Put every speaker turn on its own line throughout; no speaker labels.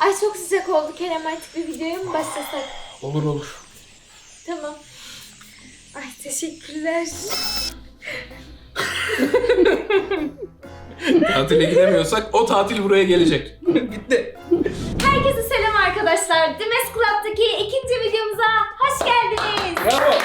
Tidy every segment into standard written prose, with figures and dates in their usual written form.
Ay çok sıcak oldu Kerem, artık bir videoya mı başlasak?
Olur.
Tamam. Ay teşekkürler.
Tatile gidemiyorsak o tatil buraya gelecek. Bitti.
Herkese selam arkadaşlar. Dimes Club'daki ikinci videomuza hoş geldiniz.
Bravo.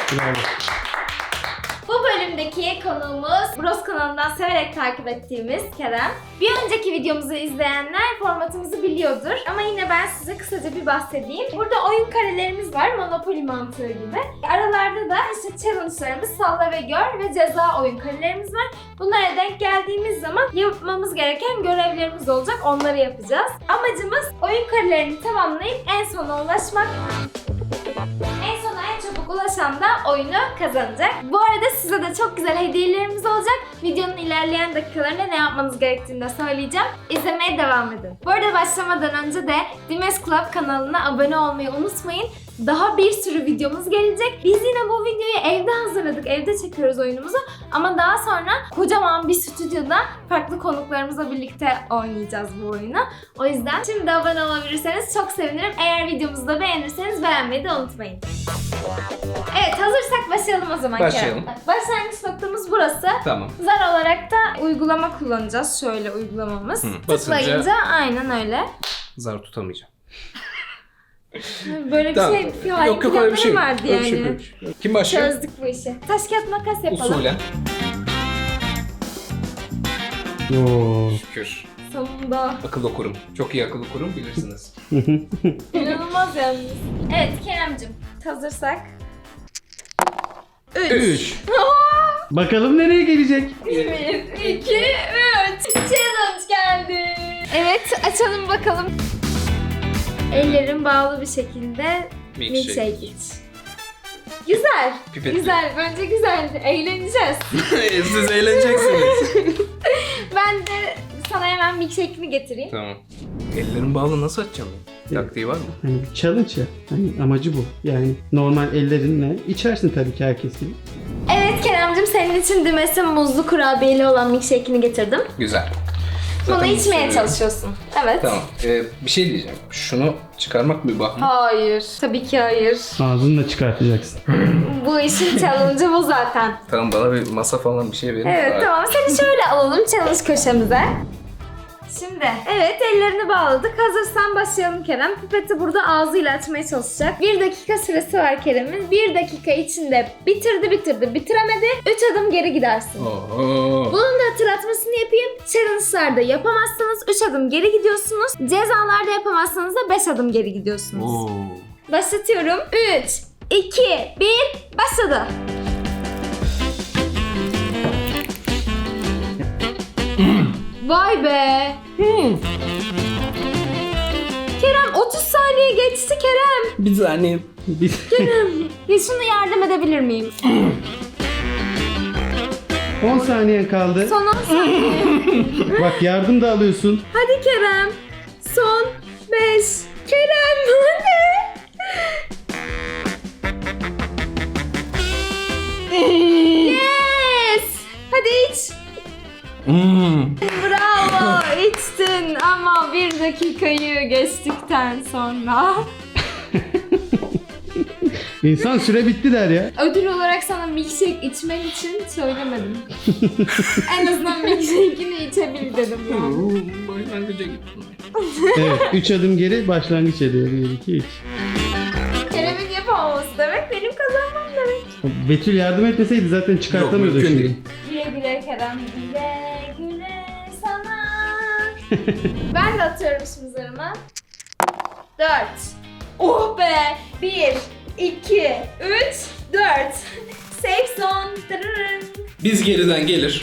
Bu bölümdeki konuğumuz Bros kanalından severek takip ettiğimiz Kerem. Bir önceki videomuzu izleyenler formatımızı biliyordur. Ama yine ben size kısaca bir bahsedeyim. Burada oyun karelerimiz var, Monopoly mantığı gibi. Aralarda da işte challenge'larımız, salla ve gör ve ceza oyun karelerimiz var. Bunlara denk geldiğimiz zaman yapmamız gereken görevlerimiz olacak, onları yapacağız. Amacımız oyun karelerini tamamlayıp en sona ulaşmak. En sona en çabuk ulaşan da oyunu kazanacak. Bu arada size de çok güzel hediyelerimiz olacak. Videonun ilerleyen dakikalarında ne yapmanız gerektiğini de söyleyeceğim. İzlemeye devam edin. Bu arada başlamadan önce de Dimes Club kanalına abone olmayı unutmayın. Daha bir sürü videomuz gelecek. Biz yine bu videoyu evde hazırladık. Evde çekiyoruz oyunumuzu. Ama daha sonra kocaman bir stüdyoda farklı konuklarımızla birlikte oynayacağız bu oyunu. O yüzden şimdi abone olabilirseniz çok sevinirim. Eğer videomuzu da beğenirseniz beğenmeyi de unutmayın. Evet, hazırsak başlayalım o zaman.
Başlayalım.
Kerem. Başlangıç noktamız burası.
Tamam.
Zar olarak da uygulama kullanacağız. Şöyle uygulamamız. Tıklayınca aynen öyle.
Zar tutamayacağım.
Böyle bir
Tamam.
şey,
Yok öyle bir şey.
vardı
Öyle
yani.
bir şey. Kim başlıyor?
Çözdük bu işi. Taş kağıt makas yapalım.
Usulen.
Oo.
Şükür.
Sonunda.
Akıl okurum. Çok iyi akıl okurum, bilirsiniz.
İnanılmaz yalnız. Evet Kerem'cim, hazırsak.
3.
Bakalım nereye gelecek?
1, 2, 3. Challenge geldi. Evet, açalım bakalım. Ellerim bağlı bir şekilde milkshake iç. Güzel.
Pipetli.
Güzel. Bence güzeldi. Eğleneceğiz.
Siz eğleneceksiniz.
Ben de sana hemen milkshake'ini getireyim.
Tamam. Ellerim bağlı, nasıl açacağım? Taktiği var mı?
Hani bir challenge ya. Hani amacı bu. Yani normal ellerinle içersin tabii ki herkes gibi.
Evet Kerem'cim, senin için Dimes'in muzlu kurabiyeli olan milkshake'ini getirdim.
Güzel.
Bunu
Zaten
içmeye
seviyorum.
çalışıyorsun. Evet.
Tamam. Bir şey diyeceğim. Şunu çıkarmak bir bahane.
Hayır. Tabii ki hayır.
Ağzınla çıkartacaksın.
Bu işin challenge'ı bu zaten.
Tamam, bana bir masa falan bir şey verin.
Evet tamam, seni şöyle alalım challenge köşemize. Şimdi evet, ellerini bağladık. Hazırsan başlayalım Kerem. Pipeti burada ağzıyla açmaya çalışacak. 1 dakika süresi var Kerem'in. 1 dakika içinde bitiremedi. 3 adım geri gidersin.
Oho.
Bunun da hatırlatmasını yapayım. Challenge'larda yapamazsanız 3 adım geri gidiyorsunuz. Cezalarda yapamazsanız da 5 adım geri gidiyorsunuz.
Oo.
Başlatıyorum. 3, 2, 1, başladı. Vay be. Kerem 30 saniye geçti Kerem.
Bir saniye.
Ya şunu yardım edebilir miyim?
10 saniyen kaldı.
Son 10 saniye.
Bak yardım da alıyorsun.
Hadi Kerem. Son 5. Kerem hadi. Yes. Hadi iç. Bravo, içtin ama 1 dakikayı geçtikten sonra.
İnsan süre bitti der ya.
Ödül olarak sana milkshake içmen için söylemedim. En azından milkshake'ini içebil dedim ya.
Başlangıca gittim.
Evet 3 adım geri başlangıç ediyor. 1, 2, 3.
Kerem'in yapamaması demek benim kazanmam demek.
Betül yardım etmeseydi zaten çıkartamıyordu
Yok, mümkün
şimdi.
değil.
Güle güle Kerem, güle güle sana. Ben de atıyorum şimdi zarıma. 4. Oh be! 1, 2, 3, 4. Safe zone. Tırırın.
Biz geriden gelir.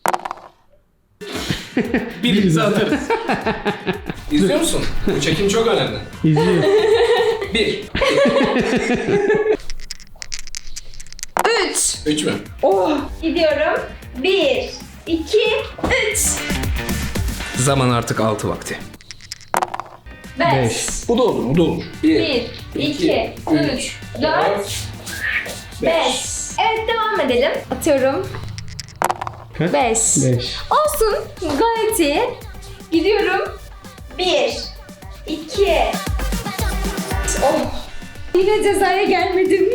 Birimizi atarız. İzliyor musun? Bu çekim çok önemli.
İzliyor.
1.
3.
3 mü?
Oh! Gidiyorum. 1, 2, 3.
Zaman artık 6 vakti.
5.
Bu da olur, bu da olur.
1, 2, 3, 4, 5. Evet, devam edelim. Atıyorum.
Kaç?
5.
5.
Olsun. Gayet iyi. Gidiyorum. 1, 2. Oh. Yine cezaya gelmedim.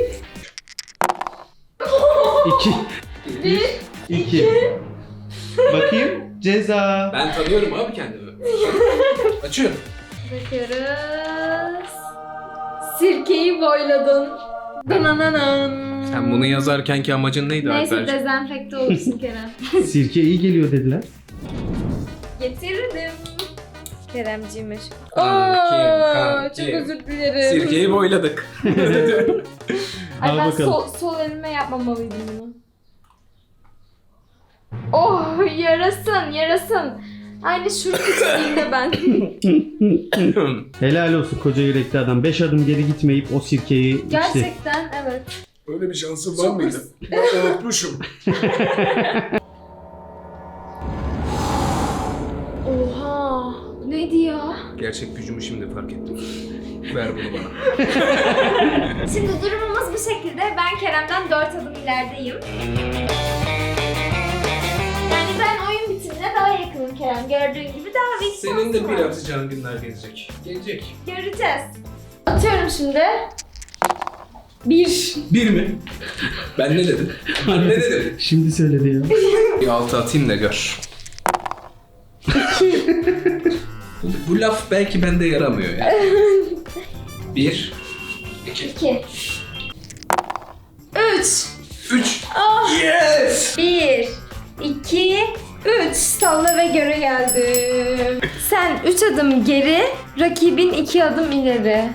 2. 2. Bakayım. Ceza.
Ben tanıyorum abi kendimi. Açıyorum.
Bakıyoruz. Sirkeyi boyladın. Danananan.
Sen bunu yazarkenki amacın neydi
Neyse
Alper?
dezenfekte olursun Kerem.
Sirke iyi geliyor dediler.
Getirdim. Keremciğim.
Kanki.
Çok özür dilerim.
Sirkeyi boyladık.
Ay
Al
ben
bakalım.
sol elime yapmamalıydım bunu. Oh yarasın yarasın. Aynı şurup içtiğimde ben.
Helal olsun koca yürekli adam. 5 adım geri gitmeyip o sirkeyi içti.
Gerçekten evet.
Öyle bir şansım var
Çok
mıydı? Ben unutmuşum.
Oha. Neydi ya?
Gerçek gücümü şimdi fark ettim. Ver bunu bana.
Şimdi durumumuz bu şekilde. Ben Kerem'den 4 adım ilerideyim. Yani ben oyun bitimine daha yakınım Kerem. Gördüğün gibi daha bir
Senin de
şansım
bir
var.
atacağın günler gelecek. Gelecek.
Göreceğiz. Atıyorum şimdi. 1.
Bir mi? Ben ne dedim? Ben ne dedim?
Şimdi söyledi ya.
Bir altı atayım da gör. Bu laf belki bende yaramıyor yani. 1, 2,
2. 3.
3.
Ah.
Yes!
1, 2, 3. Salla ve göre geldim. Sen 3 adım geri, rakibin 2 adım ileri.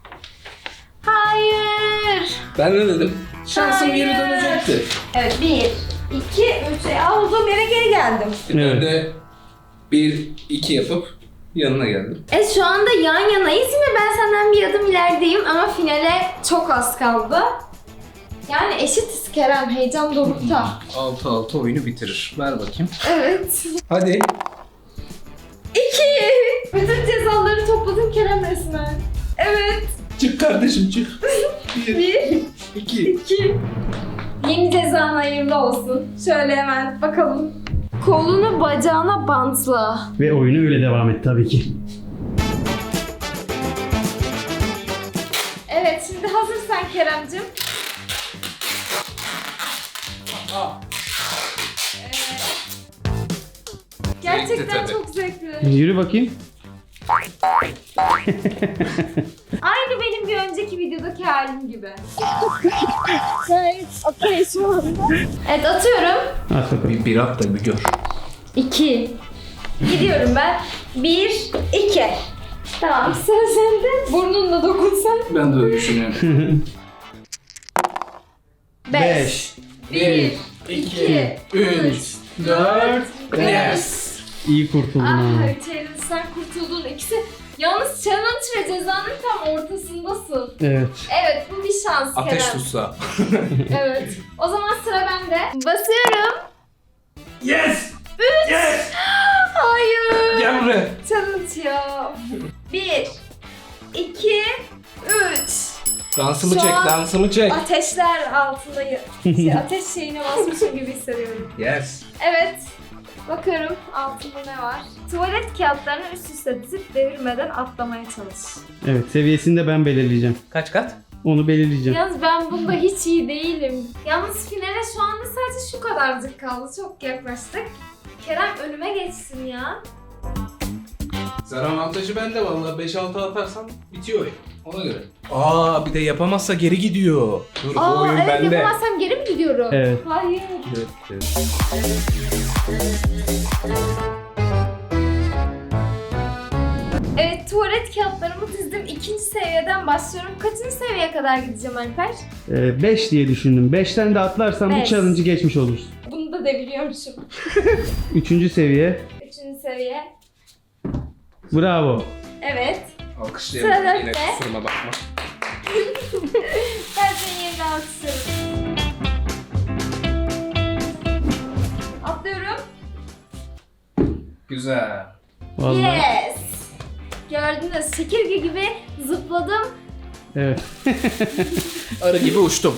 Hayır.
Ben ne dedim? Şansım geri
Hayır.
dönecekti.
Evet 1, 2, 3. Olduğum yere geri geldim.
Ben de 1, 2 yapıp yanına geldim.
Şu anda yan yanayız yine ben senden bir adım ilerideyim ama finale çok az kaldı. Yani eşitiz Kerem, heyecan dorukta.
6-6 oyunu bitirir. Ver bakayım.
Evet.
Hadi.
2. Bütün cezaları topladın Kerem resmen. Evet.
Çık kardeşim çık. 1,
1,
2.
2. Yeni cezan hayırlı olsun. Şöyle hemen bakalım. Kolunu bacağına bantla.
Ve oyunu öyle devam et tabii ki.
Evet şimdi hazırsan Kerem'cim. Gerçekten
tabii.
çok zevkli.
Yürü bakayım.
Aynı benim bir önceki videodaki halim gibi. Evet, okey şu anda. Evet atıyorum.
At bakalım.
Bir at da bir gör.
2. Gidiyorum ben. 1, 2. Tamam sıra sende. Burnunla dokunsan.
Ben de öyle düşünüyorum.
5. 1, 2, 3, 4, 5.
İyi kurtuldun ha.
Ah challenge'dan kurtuldun. İkisi. Yalnız challenge ve cezanın tam ortasındasın.
Evet.
Evet bu bir şans
Ateş
Kerem.
tutsa.
Evet. O zaman sıra bende. Basıyorum.
Yes!
3.
Yes!
Hayır.
Gel buraya.
Challenge ya. 1, 2, 3.
Dansımı
Şu
çek,
an-
dansımı çek.
Ateşler altındayım. Ateş şeyine basmışım gibi hissediyorum.
Yes.
Evet. Bakıyorum altında ne var. Tuvalet kağıtlarını üst üste dizip devirmeden atlamaya çalış.
Evet seviyesini de ben belirleyeceğim.
Kaç kat?
Onu belirleyeceğim.
Yalnız ben bunda hiç iyi değilim. Yalnız finale şu anda sadece şu kadarcık kaldı. Çok yaklaştık. Kerem önüme geçsin ya.
Zar avantajı bende vallahi 5-6 atarsam bitiyor oyun. Ona göre. Aa bir de yapamazsa geri gidiyor. Dur bu oyun
Evet
bende.
yapamazsam geri mi gidiyorum?
Evet.
Hayır.
Evet, evet.
Evet tuvalet kağıtlarımı dizdim. 2. seviyeden başlıyorum. Kaçıncı seviyeye kadar gideceğim Alper?
5 diye düşündüm. 5'ten de atlarsan bu
Beş.
challenge'ı geçmiş olursun.
Bunu da deviriyormuşum.
3. seviye.
3. seviye.
Bravo.
Evet.
Alkışlayalım.
Sıra
Yine
dörtte.
kusuruma bakma.
Ben seni yerine alkışlıyorum. Atlıyorum.
Güzel.
Vallahi.
Yes. Gördünüz çekirge gibi zıpladım.
Evet.
Arı gibi uçtum.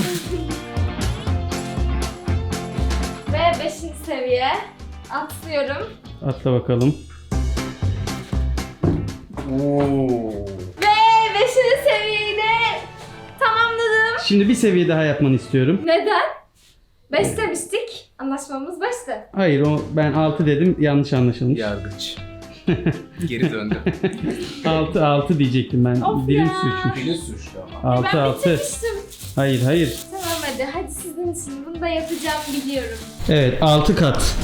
Ve 5. seviye. Atlıyorum.
Atla bakalım.
Oo.
Ve 5. seviyeyi de tamamladım.
Şimdi bir seviye daha yapmanı istiyorum.
Neden? 5 demiştik. Anlaşmamız 5'ti.
Hayır ben 6 dedim, yanlış anlaşılmış.
Yargıç. Geri döndü.
6 diyecektim ben.
Of
Dilim
ya.
sürçmüş.
Dili suçlu ama.
6
Ben
6.
bitirmiştim.
Hayır.
Tamam hadi sizin için bunu da yapacağım biliyorum.
Evet 6 kat.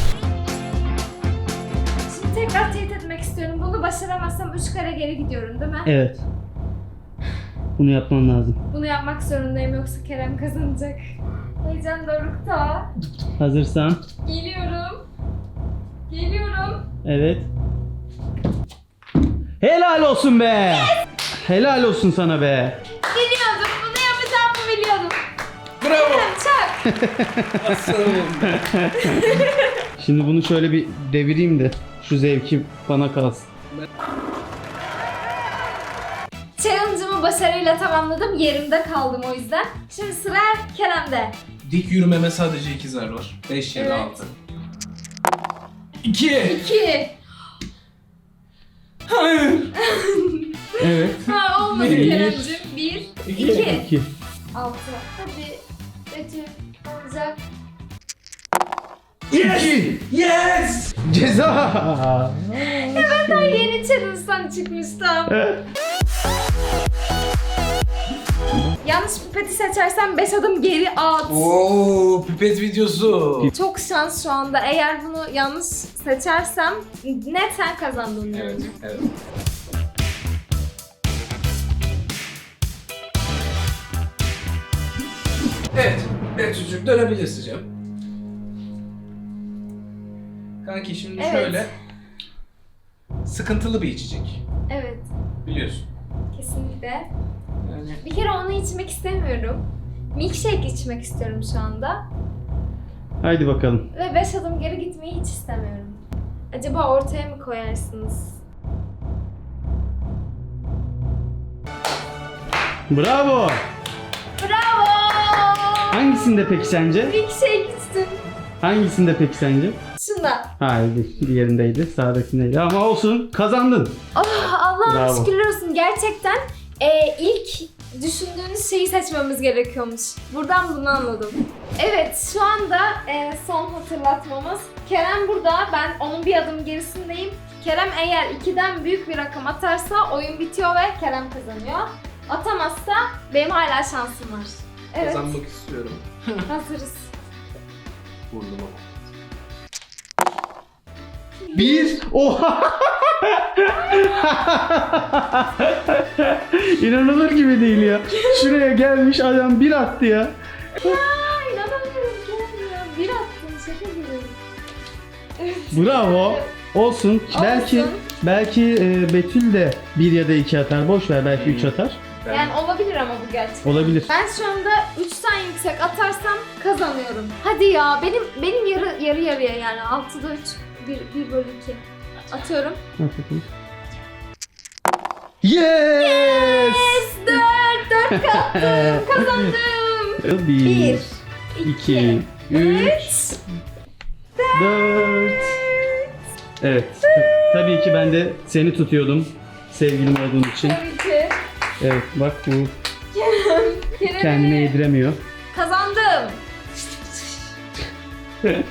Şimdi tekrar teyit etmek istiyorum. Bunu başaramazsam 3 kare geri gidiyorum değil mi?
Evet. Bunu yapman lazım.
Bunu yapmak zorundayım yoksa Kerem kazanacak. Heyecan dorukta.
Hazırsan.
Geliyorum. Geliyorum.
Evet. Helal olsun be. Helal olsun sana be.
Biliyordum. Bunu yapacağımı biliyordum.
Bravo.
Çak.
Aslanım.
Şimdi bunu şöyle bir devireyim de şu zevki bana kalsın.
Challenge'ımı başarıyla tamamladım. Yerimde kaldım o yüzden. Şimdi sıra Kerem'de.
Dik yürümeme sadece 2 zar var. 5 ya da
Evet.
6. 2.
2.
Hayır.
Evet.
Ha olmadı
Bir.
Kerem'cim. 1, 2,
2.
6. Hadi. Betül olacak.
Yes. Yes.
Ceza.
Daha yeni challenge'dan çıkmıştım. Yanlış pipeti seçersen 5 adım geri at.
Oo, pipet videosu.
Çok şans şu anda. Eğer bunu yanlış seçersem net sen kazandın.
Evet,
yani.
evet. Evet, Betül'cüğüm dönebilirsin canım. Kanki şimdi
Evet.
şöyle sıkıntılı bir içecek.
Evet.
Biliyorsun.
Kesinlikle.
Yani
Bir kere onu içmek istemiyorum. Milkshake içmek istiyorum şu anda.
Haydi bakalım.
Ve 5 adım geri gitmeyi hiç istemiyorum. Acaba ortaya mı koyarsınız?
Bravo.
Bravo!
Hangisinde peki sence?
Milkshake içtim.
Hangisinde peki sence?
Şunda.
Hayır, diğerindeydi. Sağdakindeydi ama olsun. Kazandın.
Oh, Allah'ım
Bravo.
şükürler olsun. Gerçekten ilk düşündüğünüz şeyi seçmemiz gerekiyormuş. Buradan bunu anladım. Evet, şu anda son hatırlatmamız. Kerem burada, ben onun bir adım gerisindeyim. Kerem eğer 2'den büyük bir rakam atarsa oyun bitiyor ve Kerem kazanıyor. Atamazsa benim hala şansım var. Evet,
kazanmak istiyorum.
hazırız.
Burnuma.
1. Oha. İnanılır gibi değil ya. Şuraya gelmiş adam bir attı ya.
Aa, inanamıyorum Kerem ya. Bir attın, şaka gibi.
Bravo. Olsun. Belki
Olsun.
Betül de 1 ya da 2 atar. Boş ver, belki 3 atar.
Ben
Yani olabilir ama bu gerçek.
Olabilir.
Ben şu anda 3'ten yüksek atarsam kazanıyorum. Hadi ya benim yarı yarıya yani 6'da 3 1 bölü 2 atıyorum.
At bakalım. Yes!
4 kattım kazandım.
1,
1
2, 3, 4. Evet. Tabii ki ben de seni tutuyordum. Sevgilim olduğun için.
Tabii ki.
Evet, bak bu
Kerem'i
kendine yediremiyor.
kazandım. Evet,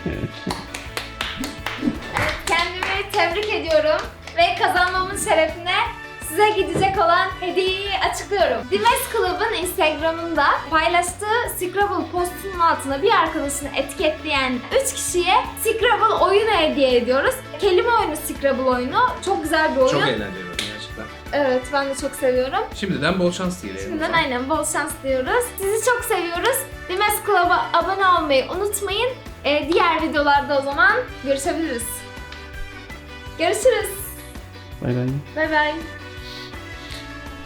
kendimi tebrik ediyorum ve kazanmamın şerefine size gidecek olan hediyeyi açıklıyorum. Dimes Club'ın Instagram'ında paylaştığı Scrabble postunun altına bir arkadaşını etiketleyen 3 kişiye Scrabble oyunu hediye ediyoruz. Kelime oyunu Scrabble oyunu. Çok güzel bir oyun.
çok eğlenceli oyun gerçekten.
Evet, ben de çok seviyorum.
Şimdiden bol şans dileyelim.
Şimdiden aynen bol şans diyoruz. Sizi çok seviyoruz. Dimes Club'a abone olmayı unutmayın. Diğer videolarda o zaman görüşebiliriz. Görüşürüz.
Bay bay.
Bay bay.